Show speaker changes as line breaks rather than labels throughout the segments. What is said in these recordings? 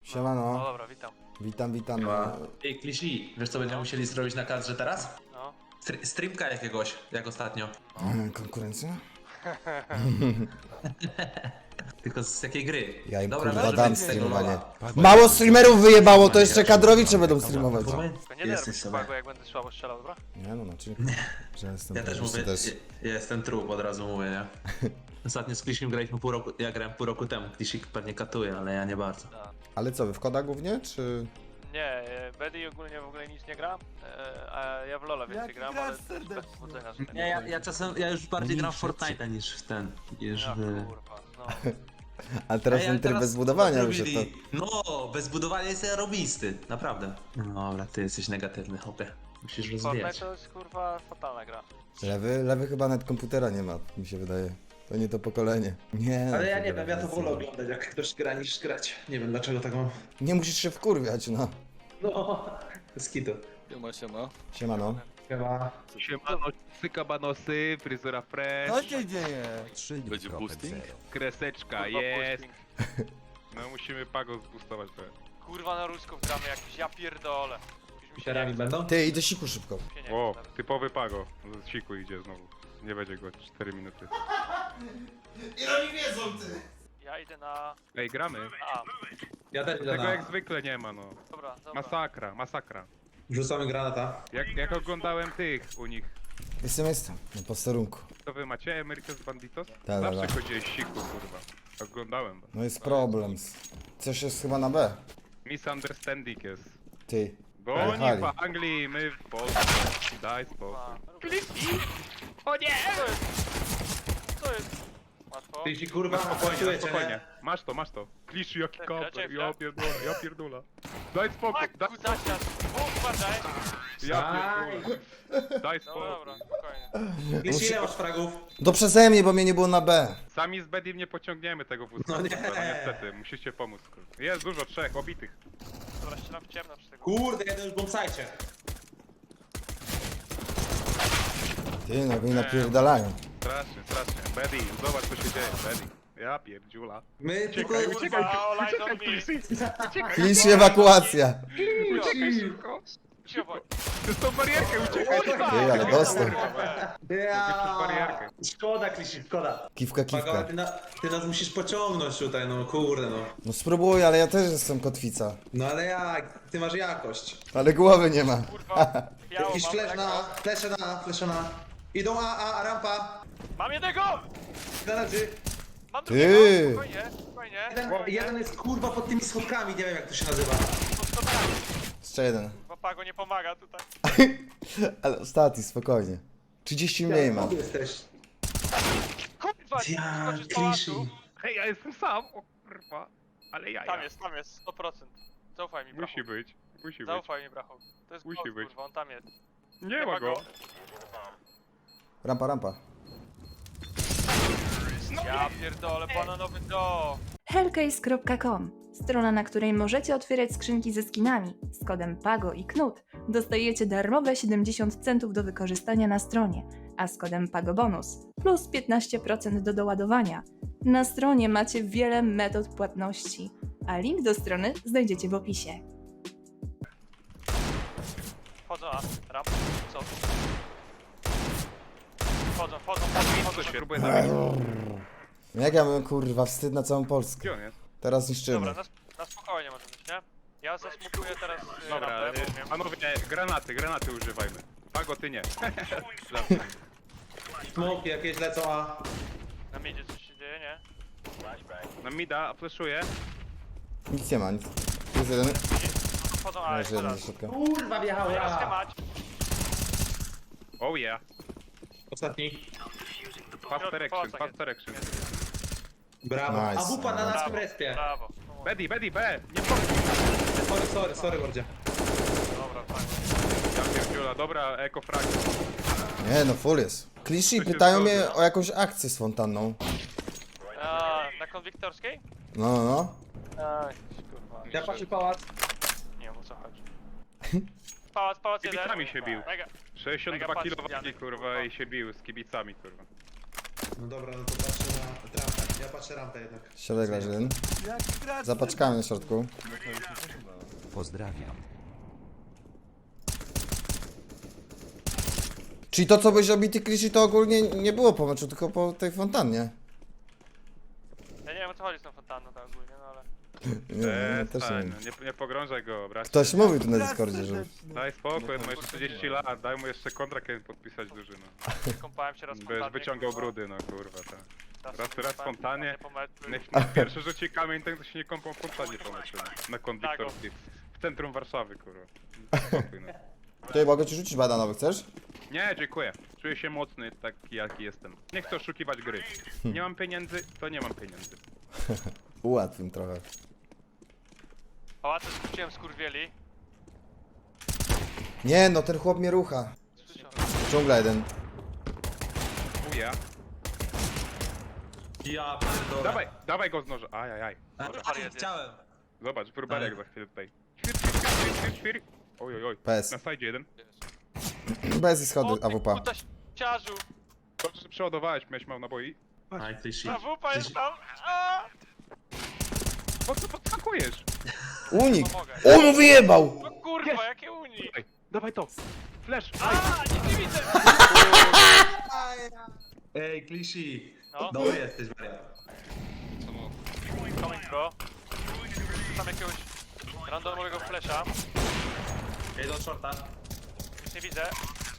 Siemano.
No dobra, witam.
Witam.
Ej, Klishi, wiesz co będziemy musieli zrobić na kadrze teraz?
No.
Streamka jakiegoś, jak ostatnio.
Konkurencja?
Tylko z jakiej gry?
Ja im
Dobra,
kurwa
może
dam
być z tego
streamowanie.
lola.
Mało streamerów wyjebało, to jeszcze kadrowicze będą streamować.
Tylko nie
Jesteś
nerwuj się,
sobie.
Pago, jak będę słabo strzelał, dobra?
Nie no, znaczy... Że jestem
Ja też
po prostu
mówię, ja jestem trup, od razu mówię, nie? Ostatnio z Klishim graliśmy pół roku, ja grałem pół roku temu. Klishi pewnie katuje, ale ja nie bardzo.
Tak.
Ale co, wy w koda głównie, czy...
Nie, Bedy ogólnie w ogóle nic nie gra, a ja w Lola więcej gram, ale bez powodzenia. Że
Nie, ja czasem, ja już bardziej gram w Fortnite'a niż w ten, niż
Ja,
w...
kurwa, no.
Ale teraz ten tryb bez budowania wyszedł to...
No, bez budowania jest zarobisty, naprawdę. No dobra, ty jesteś negatywny, hopie. Musisz rozwijać.
Fortnite to jest kurwa fatalna gra.
Lewy chyba nawet komputera nie ma, mi się wydaje. To nie to pokolenie. Nie.
Ale ja
to
nie wiem, ja to
jest-
wolę oglądać, jak ktoś gra niż grać. Nie wiem dlaczego tak mam.
Nie musisz się wkurwiać, no.
No, skitu.
Siema.
Siemano.
Chyba.
Siemano, cykabanosy, fryzura fresh,
Co się dzieje?
będzie boosting? Kreseczka,
Kurwa,
jest.
boosting.
No musimy Pago zboostować trochę.
Kurwa na rusków gramy jakiś, ja pierdolę. Już mi się
Literami
nie
będą?
Ty, idę siku szybko.
chce, nie
O,
chce teraz.
typowy Pago. Z siku idzie znowu. Nie będzie go 4 minuty.
Ja idę na
Ej, gramy.
A,
Ja też idę
Tego
na...
jak zwykle nie ma, no.
dobra.
Masakra.
Rzucamy granata.
Jak oglądałem tych u nich.
Jestem. Na posterunku.
To wy macie America's Banditos?
Da.
Zawsze chodziłeś siku, kurwa. Oglądałem was.
No jest problem. Coś jest chyba na B.
Misunderstanding jest.
Ty.
Bo
Jechali.
oni w Anglii, my w Polsce. Daj spokój.
O nie! Co jest? Łatwo.
Ty ci kurwa
Spokojnie. Masz to. Klisz jaki
Czekaj,
kamper,
czekaj.
ja pierdolę. Daj spokój, daj
Maku zasiad! Uważaj!
ja pierdolę. Daj
No
spokój.
dobra, spokojnie.
Wiesz ile masz fragów?
To przeze mnie, bo mnie nie było na B.
Sami z Bedim nie pociągniemy tego wózka.
No nie.
Niestety, musicie pomóc. kurwa. Jest dużo, 3 obitych.
Dobra, ścielam w ciemno przy tego.
Kurde, jeden już bombsajcie.
Ty, no i napierdalają.
Strasznie. Bedi, zobacz co się dzieje, Bedi. Ja pierdziula.
My tylko...
Uciekaj,
All eyes on me.
Kliszy.
Klisz ewakuacja.
Uciekaj szybko.
Cicho bądź.
Przez tą barierkę uciekaj.
Ty, ale dostał.
Przez barierkę.
Szkoda, Klishi, szkoda.
Kiwka.
Pago, ty nas musisz pociągnąć tutaj, no kurde no.
No spróbuj, ale ja też jestem kotwica.
No ale jak? Ty masz jakość.
Ale głowy nie ma.
Kurwa, biało
Jakiś
mam,
flash
tak?
na, flash na. Idą rampa.
Mam jednego!
Na leży.
Mam
Ty.
drugiego! Spokojnie.
Jeden jest kurwa pod tymi schodkami, nie wiem jak to się nazywa.
Jeszcze jeden.
Pago nie pomaga tutaj.
Ale ostatni, spokojnie. 30 mniej mam.
Tu jesteś.
Kurwa,
Ja,
skoczysz z
Klishi.
pałacu.
Hej, ja jestem sam, o kurwa. Ale ja.
Tam jest, 100%. Zaufaj mi, brachu.
Musi być.
Zaufaj mi, brachu. To jest
Musi
gość,
być.
kurwa, on tam jest.
Nie ma go.
Rampa.
Ja pierdolę, bananowy do.
Hellcase.com, strona, na której możecie otwierać skrzynki ze skinami. Z kodem PAGO i KNUT dostajecie darmowe 70 centów do wykorzystania na stronie, a z kodem PAGO bonus plus 15% do doładowania. Na stronie macie wiele metod płatności, a link do strony znajdziecie w opisie.
Wchodzą na ramp. Co? Wchodzą.
Co się próbuje zabić?
Jak ja bym kurwa wstyd na całą Polskę.
Gdzie on jest?
Teraz niszczymy.
Dobra, na spokojnie może być, nie? Ja zasmukuję teraz
Dobra,
rampę, bo wiem.
panowie, granaty używajmy. Pago, ty nie.
Smoki jakieś lecą, a...
Na midzie coś się dzieje, nie?
Na mida, fleszuję.
Nic nie ma, nic. Jest jeden.
Wchodzą, ale
Leży jeden
teraz.
do środka.
Kurwa wjechał,
Teraz
ja.
schemać.
Oh yeah.
Ostatni.
Fast direction.
Brawo.
Nice.
A wupa na nas w
Brawo,
respie.
brawo.
Bedi, B! Nie
Sorry, mordzie.
Dobra, fajnie.
Ja pierdziula, dobra, ekofrag.
Nie no, full jest. Kliszy
To się
pytają
zgodzę.
mnie o jakąś akcję z fontanną.
Na konwiktorskiej?
No.
Kurwa.
Ja patrzę pałac.
Nie wiem o co chodzi. Pałac jeden.
Kibicami się bił.
Mega.
62
Mega
kilo
patrz,
wagi,
Janek,
kurwa,
kurwa.
i się bił z kibicami, kurwa.
No dobra, no to patrzę na rampę. Ja patrzę rampę jednak.
Środek leży jeden. Za paczkami na środku.
Pozdrawiam.
Czyli to, co byś obity Kliszy, to ogólnie nie było po meczu, tylko po tej fontannie.
Ja nie wiem o co chodzi z tą fontanną tak ogólnie, no ale...
Nie, ja też nie wiem.
Nie pogrążaj go, bracie.
Ktoś mówił tu na Discordzie, że...
Daj spokój, on ma jeszcze 40 lat, daj mu jeszcze kontrakt kiedy podpisać duży, no.
Kąpałem się raz w
Będziesz
fontannie,
wyciągał
kurwa.
brudy, no kurwa, tak. Raz
kąpałem
spontanie.
po meczu.
Niech pierwszy rzuci kamień, ten to się nie kąpał w fontannie po meczu, no. Na konduktorskiej. W centrum Warszawy, kurwa. Spokój, no.
Tutaj mogę ci rzucić badanowy, chcesz?
Nie, dziękuję. Czuję się mocny, taki jaki jestem. Nie chcę oszukiwać gry. Nie mam pieniędzy, to nie mam pieniędzy.
Ułatwim trochę.
Pałace skróciłem skurwieli.
Nie no, ten chłop mnie rucha.
Słyszałem.
Dżungla jeden.
Uja.
Ja pierdolę.
Dawaj go z noża. Ajajaj.
Chciałem.
Zobacz, próbarek za chwilę tutaj. Świr. Oj, oj, oj.
PS.
Na side jeden.
Bez schody AWP.
Kuta ciarzu!
Dobrze, że przeładowałeś, miałeś mało naboi.
Aj, ty shit.
Ta wupa jest tam! A!
Po co podskakujesz?
Unik!
Pomogę.
O, no wyjebał!
No kurwa, jakie uni!
Dawaj to. Flash.
A, nic nie widzę!
Ej, Klishi.
No.
Dobry jesteś, wariat.
Coming bro. Tam jakiegoś randomowego flesza.
Ej, do shorta.
Już nie widzę.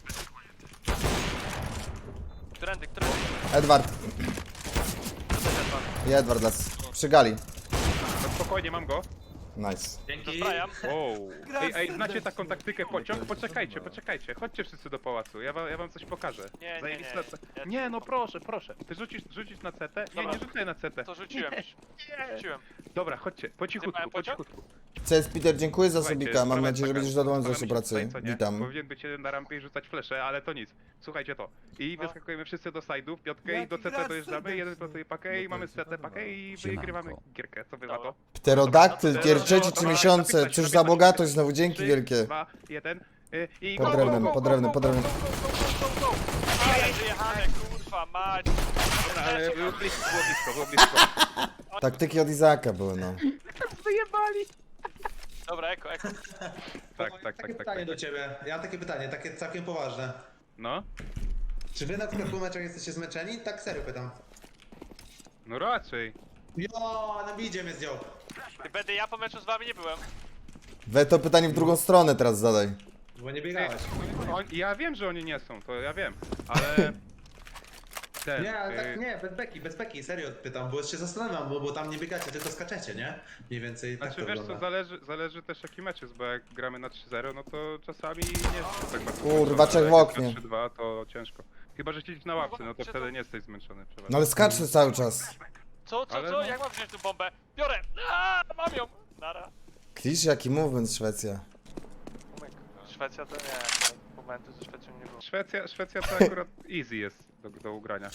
Którędy?
Edward.
To też jest pan.
I Edward las. Przy gali.
No spokojnie, mam go.
Nice.
Dzięki.
Zbrajam.
Wow. Ej, znacie taką taktykę pociąg? Poczekajcie. Chodźcie wszyscy do pałacu, ja wam coś pokażę.
Nie.
Zajebiste.
Ja
Nie, no proszę. Ty rzucisz na CT? Nie,
Dobra.
nie rzucaj na CT.
To rzuciłem już. Rzuciłem.
Dobra, chodźcie, po cichutku,
Zjebałem
po
pociąg?
cichutku.
CS Peter, dziękuję za
Słuchajcie,
subika. Mam
sprawa
nadzieję, że
taka,
będziesz zadowolony z
staramy
naszej
się
pracy.
tutaj, co nie?
Witam.
Powinien być jeden na rampie i rzucać flesze, ale to nic. Słuchajcie to. I
No.
wyskakujemy wszyscy do side'ów, piątkę i do CT dojeżdżamy, jeden plotuje pakę i mamy CT pakę i wygrywamy gierkę. Co wy na to?
Pterodaktyl,
Dobra,
pierwsze
dobra,
3 miesiące.
napisać,
Cóż za
napisać.
bogatość, znowu dzięki
3,
wielkie.
2, 1 i
Pod drewnem, pod drewnem, pod drewnem.
Ale wyjechane, kurwa, mać!
Ale było blisko.
Taktyki od Izaka były, no.
Wyjebali!
Dobra, eko.
Tak.
Pytanie do ciebie. Ja mam takie pytanie, takie całkiem poważne.
No?
Czy wy na przykład po meczach jesteście zmęczeni? Tak serio pytam.
No raczej.
Jo, na bidzie mnie zdjął.
Będę ja po meczu z wami nie byłem.
We to pytanie w drugą stronę teraz zadaj.
Bo nie biegałeś.
Ja wiem, że oni nie są, to ja wiem, ale... Ten,
Nie, ale tak nie, bez beki, serio pytam, bo się zastanawiam, bo tam nie biegacie, tylko skaczecie, nie? Mniej więcej tak
Znaczy
to
wiesz co,
wygląda.
zależy też jaki mecz jest, bo jak gramy na 3-0, no to czasami nie jest tak bardzo
Kurwa,
zmęczony,
trzech w
ale jak
oknie.
jest na 3-2 to ciężko. Chyba, że siedzisz na ławce, no to wtedy nie jesteś zmęczony przeważnie.
No ale skaczę cały czas.
Co?
Ale no.
Jak mam wziąć tu bombę? Biorę! Aaa, mam ją! Nara.
Klisz, jaki movement Szwecja.
Szwecja to nie, momentu ze Szwecją nie było.
Szwecja to akurat easy jest do ugrania.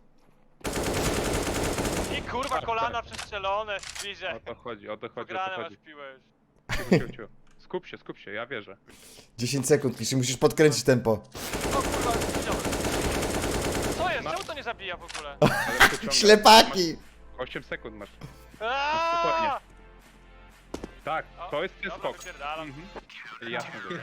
I kurwa, kolana przestrzelone, bliżej.
O to chodzi.
Pograne masz piłę już.
Cicho. Skup się, ja wierzę.
10 sekund, Klisz, musisz podkręcić tempo.
O kurwa, widziałem. Co jest? Czemu to nie zabija w ogóle?
Ale przeciągam.
Ślepaki!
8 sekund masz.
Aaaa!
Tak, to jest ten
Dobra,
skok.
wypierdalam.
Jasne, że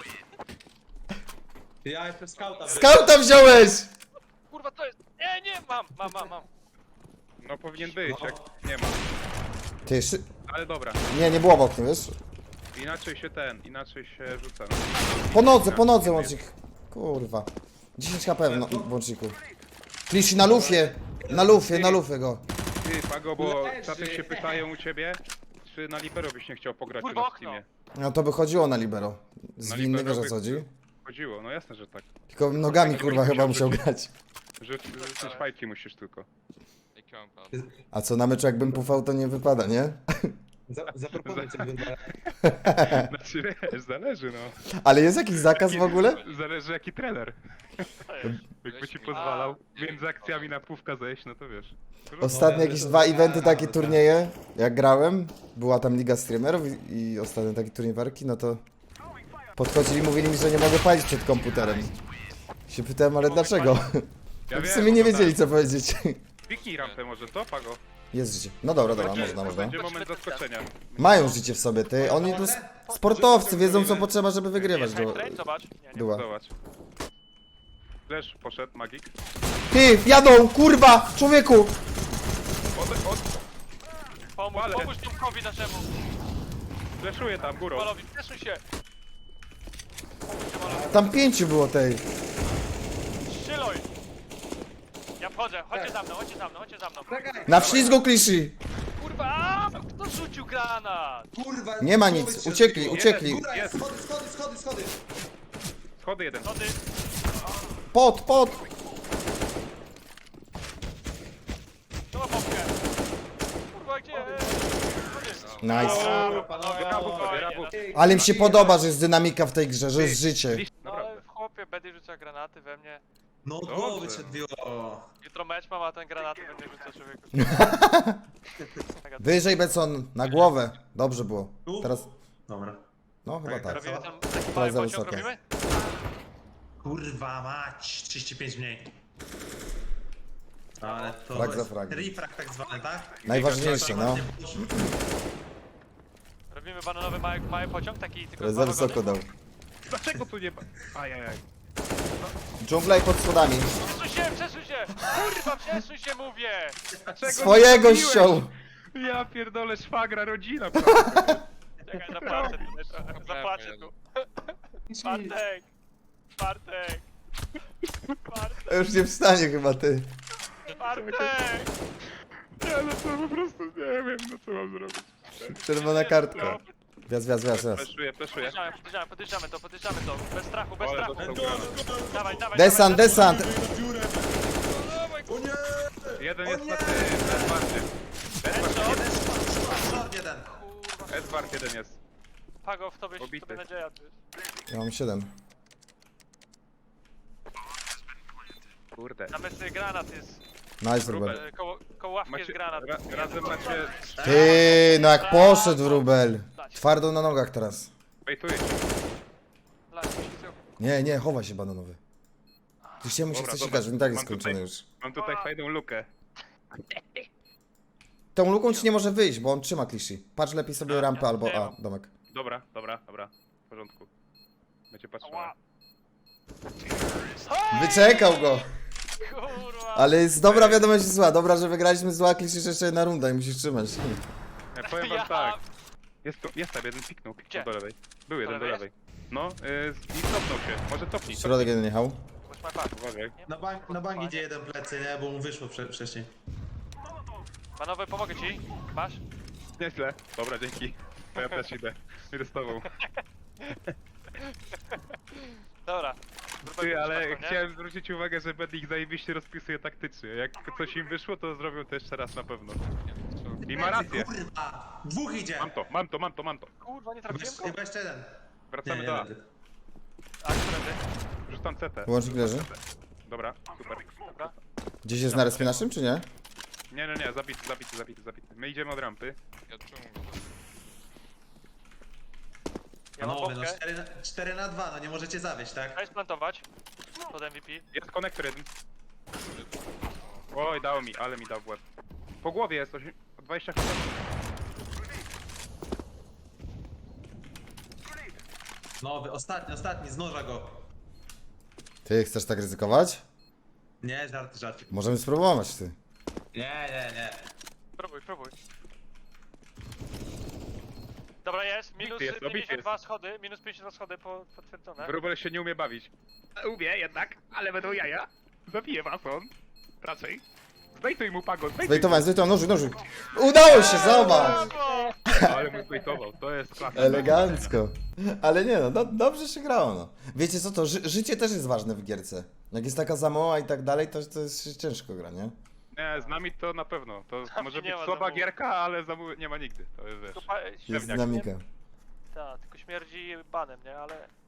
Ja jestem skauta.
Skauta wziąłeś!
Kurwa, to jest... Nie, mam.
No powinien być, jak nie ma.
Ty jeszcze...
Ale dobra,
Nie było w oknie, wiesz?
inaczej się rzuca.
Po nodze łącznik. Kurwa. 10 HP w łączniku. Klisz na lufie! Na lufie go.
Ty, Pago, bo czasem się pytają u ciebie, czy na libero byś nie chciał pograć
Kurwa,
na
okno.
Steamie.
No to by chodziło na libero. Z
Na
winny,
libero
wiesz o
by-
co chodzi?
Chodziło, no jasne, że tak.
Tylko nogami kurwa chyba musiał grać.
Rzucić fajki musisz tylko.
A co na meczu jakbym pufał to nie wypada, nie?
Zaproponuj coś wygląda.
Znaczy wiesz, zależy no.
Ale jest jakiś zakaz w ogóle?
Zależy jaki trener. Jakby ci pozwalał między akcjami na pówka zejść, no to wiesz.
Ostatnie jakieś 2 eventy, takie turnieje, jak grałem, była tam liga streamerów i ostatnie takie turniej walki, no to podchodzili i mówili mi, że nie mogę palić przed komputerem. Się pytałem, ale dlaczego?
Ja
W
wiem,
sumie nie
no
wiedzieli
tak.
co powiedzieć.
Piknij rampę może, to Pago?
Jest życie. No dobra,
Będzie-
można.
Będzie moment zaskoczenia.
Mają życie w sobie, ty. Oni to sportowcy, wiedzą co potrzeba, żeby wygrywać.
Jest train, zobacz. Nie, nie.
Była.
Zobacz. Flash poszedł, magik.
Ty, jadą, kurwa, człowieku!
Ale-
Pomóż Tomkowi naszemu.
Flashuje tam, górą.
Malowi, cieszyj się. Pomóż się Malowi.
Tam 5 było tej.
Strzyluj. Ja wchodzę, chodźcie za mną, chodźcie za mną.
Czekaj!
Na wślizgu kliszy.
Kurwa, kto rzucił granat?
Kurwa!
Nie ma
człowiek
nic,
się
uciekli,
zbił.
uciekli.
Góra
Jest.
jest, schody!
Schody jeden.
Co ty?
Pod.
To ma pompkę. Kurwa, gdzie?
Nice.
Brawo, brawo.
Ale mi się podoba, że jest dynamika w tej grze, że jest życie.
No ale w chłopie, Betty rzuca granaty we mnie.
No od
Dobrze.
głowy się odbiło.
Jutro mecz mam, a ten granaty we mnie rzuca człowieku.
Wyżej Becon, na głowę. Dobrze było. Teraz,
Dobra.
no chyba tak.
Robimy ten taki
To
mały
jest za
pociąg,
wysokie.
robimy?
Kurwa mać, 35 mniej. Ale to
Frag za
jest
fragiem.
refrag tak zwany, tak?
Najważniejsze, no.
Robimy bananowy mały pociąg, taki tylko
To jest
dwa
za wysoko
wagony.
dał.
Dlaczego tu nie ma? Ajajaj.
Dżungla i pod schodami.
Przesuń się! Kurwa, przesuń się, mówię!
Dlaczego
Swojego
nie zrobiłeś?
ściął.
Ja pierdolę, szwagra, rodzina.
Czekaj, zapłacę tutaj trochę, zapłacę tu. Bartek! Bartek!
Już nie wstanie chyba ty.
Bartek!
Nie, no to po prostu nie wiem, no co mam zrobić.
Czerwona kartka. Wjazd.
Fleszuję.
Podjeżdżamy to. Bez strachu, bez
Ale
strachu.
dostał granat.
Dawaj.
Desant.
Jeden jest na tym, Edwardzie.
Short jeden.
Edward jeden jest.
Pago, w tobie
Obity.
nadzieja. tu jest.
Ja mam 7.
Kurde.
Tam jest granat, jest.
Nice, Rubel.
Koło ławki jest granat.
Razem macie...
Ty, no jak poszedł Rubel. Twardo na nogach teraz.
Wejtuję.
Nie, chowa się bananowy. Ty się mu się
Dobra,
chce
dobra.
sikać, on i tak jest
Mam
skończony
tutaj-
już.
Mam tutaj fajną lukę.
Tą luką ci nie może wyjść, bo on trzyma kliszy. Patrz lepiej sobie rampę albo... A, domek.
Dobra. W porządku. Będzie patrzyła.
Ła.
Wyczekał go.
Kurwa!
Ale jest dobra wiadomość i zła. Dobra, że wygraliśmy zła, kliszy jeszcze jedna runda i musisz trzymać.
Ja powiem wam
Ja-
tak. Jest tam jeden, piknął
Gdzie?
do lewej. Był jeden do
lewej
lewej. No, i cofnął się. Może cofnij.
Środek jeden jechał.
Masz my back.
Uważaj.
Na bank idzie jeden plecy, nie? Bo mu wyszło wcześniej.
Panowie, pomogę ci. Masz?
Nieźle. Dobra, dzięki. To ja też idę z tobą.
Dobra.
Ty, ale
Spoko, nie?
chciałem zwrócić uwagę, że Bednik zajebiście rozpisuje taktycznie. Jak coś im wyszło, to zrobią to jeszcze raz na pewno. I ma rację.
Kurwa! Dwóch idzie!
Mam to.
Kurwa, nie trafiłem go?
Chyba jeszcze jeden.
Wracamy do A.
A, którędy?
Rzucam CT.
Wyłącznik leży.
Dobra, super.
Dobra.
Gdzieś jest na respie naszym, czy nie?
Nie, zabity. My idziemy od rampy.
Ja mam
Panowie, no
bombkę.
4 na 2, no nie możecie zawieść, tak?
Daj splantować. Pod MVP.
Jest konektor jeden. Oj, dał mi, ale mi dał w łeb. Po głowie jest 20 HP.
Nowy, ostatni, z noża go.
Ty, chcesz tak ryzykować?
Nie, żart.
Możemy spróbować, ty.
Nie.
Próbuj. Dobra, jest. Minus
Obity jest, obity
52 schody. Minus 52 schody potwierdzone.
Wróbel się nie umie bawić. Umie jednak, ale będą jaja. Zabije was on. Raczej. Zbejtuj mu Pago,
Zbejtowałem, nożyk. Udało się, zobacz!
Brawo!
Ale mu zbejtował, to jest klasa.
Elegancko. Ale nie no, dobrze się grało, no. Wiecie co, to życie też jest ważne w gierce. Jak jest taka zamoła i tak dalej, to jest ciężko gra, nie?
Nie, z nami to na pewno. To może być
nie ma
słaba
zamułu.
gierka, ale nie ma nigdy. To jest wiesz.
Tylko
Jest
średniak,
dynamika.
nie? Tak, tylko śmierdzi banem, nie? Ale